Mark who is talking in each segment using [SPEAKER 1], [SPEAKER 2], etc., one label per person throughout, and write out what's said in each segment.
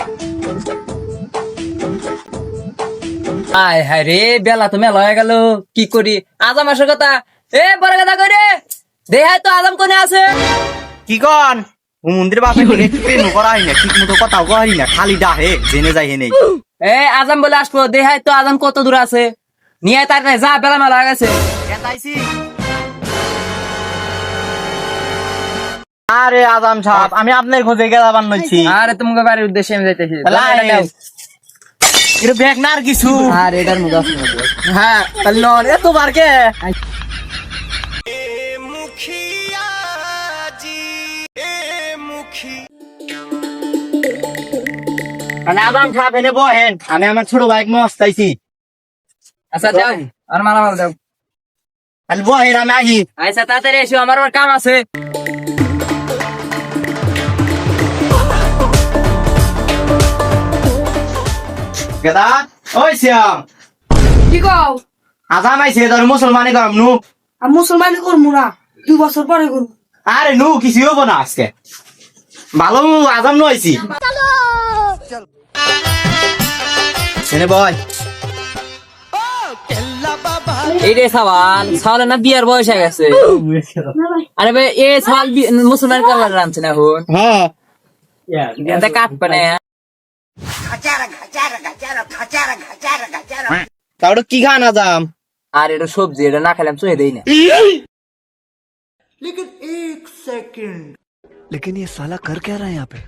[SPEAKER 1] আয় হায় রে, বেলা তো মেলা হয়ে গেল, কি করি? আজাম আসার কথা। এ বড় কথা করে দেখাই তো আজাম কোনে আছে।
[SPEAKER 2] কি কন মন্দির বাপে প্রেম করা হয় না, ঠিক মতো কথাও কহারি না, খালি ডাহে জেনে যাই হেনে।
[SPEAKER 1] এ আজাম বলে আসবো, দেখাই তো আজাম কত দূর আছে। নিয়ে তার যা, বেলা মেলা হয়ে গেছে।
[SPEAKER 2] আরে আজাম সাহেব, আমি আপনার খোঁজে গেলাম নইছি।
[SPEAKER 1] আরে তোমাকে বাড়ির উদ্দেশ্যে আমি যাইতেছি।
[SPEAKER 2] এটা ব্যাগ না আর কিছু।
[SPEAKER 1] আর এটার মধ্যে আছে।
[SPEAKER 2] হ্যাঁ তাহলে নন এত বার কে মানে আজাম সাহেব এনে বহেন, আমি আমার ছোট বাইক মস্তাইছি।
[SPEAKER 1] আচ্ছা যাও, আর মালামাল দাও।
[SPEAKER 2] তাহলে বহেন, আমি আসি।
[SPEAKER 1] আচ্ছা তাড়াতাড়ি এসো, আমার আবার কাম আছে।
[SPEAKER 2] গেদা ওই শ্যাম,
[SPEAKER 3] কি কও?
[SPEAKER 2] আজাম আইছে তোর মুসলমানি করম নু।
[SPEAKER 3] আমি মুসলমানি করবো না, 2 বছর পরে করবো।
[SPEAKER 2] আরে নু কিছু হবো না আজকে, ভালো আজাম নু আইছি। এনে বয়।
[SPEAKER 1] এই রে সাওয়াল, সাওয়াল না বিয়ার বয়স হয়ে গেছে। আরে ভাই এ সাওয়াল মুসলমান কালার রানছে না এখন।
[SPEAKER 2] হ্যাঁ
[SPEAKER 1] এটা কাটবে না।
[SPEAKER 2] তাহলে কি খান আজাম?
[SPEAKER 1] আর এটা সবজি, এটা না খেলাম চুয়ে দেই না।
[SPEAKER 4] लेकिन ये साला कर क्या रहा है यहाँ पे?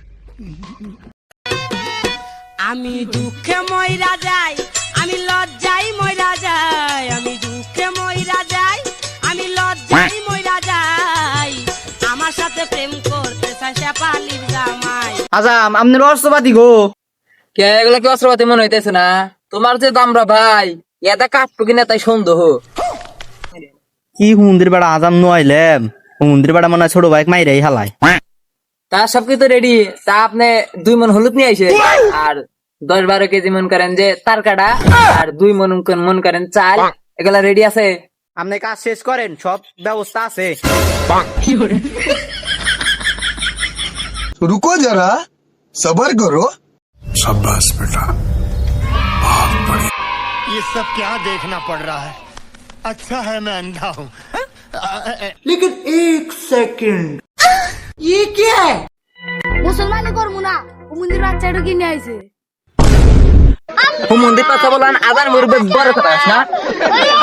[SPEAKER 5] আমি দুঃখে মইরা যাই, আমি লজ্জাই মইরা যাই, আমি দুঃখে মইরা যাই, আমি লজ্জাই মইরা যাই, আমার সাথে প্রেম করতে চায় সে পালির জামাই।
[SPEAKER 2] আজাম আপনার অস্ত্রপাতি গো।
[SPEAKER 1] কে এগুলা কি অস্ত্রপাতি মনে হইতেছে না? তোমার যে দামরা ভাই, এটা কাটবো কিনা তাই সন্দেহ।
[SPEAKER 2] কি হুন্দির বেড়া আজাম নু আইলেম, হুন্দির বেড়া মনে হয় ছোট বাইক মাইরাই হালায়।
[SPEAKER 1] তার সবকিছু রেডি। তা আপনি 2 মন হলুদ নিয়ে আইসে, আর 10-12 কেজি মন করেন যে তার কাটা, আর 2 মন করেন চাল, এগুলা রেডি আছে।
[SPEAKER 2] আপনি কাজ শেষ করেন, সব ব্যবস্থা আছে।
[SPEAKER 4] रुको जरा सबर करो। शाबाश बेटा, बहुत बढ़िया।
[SPEAKER 6] ये सब क्या देखना पड़ रहा है? अच्छा है मैं अंधा हूँ।
[SPEAKER 3] ये क्या है? মুসলমানি করবো না, ও মন্দির বাচ্চাটা কিনে আইছে।
[SPEAKER 1] মন্দির কথা বলেন, আদার মুরব্বী বড় কথা না।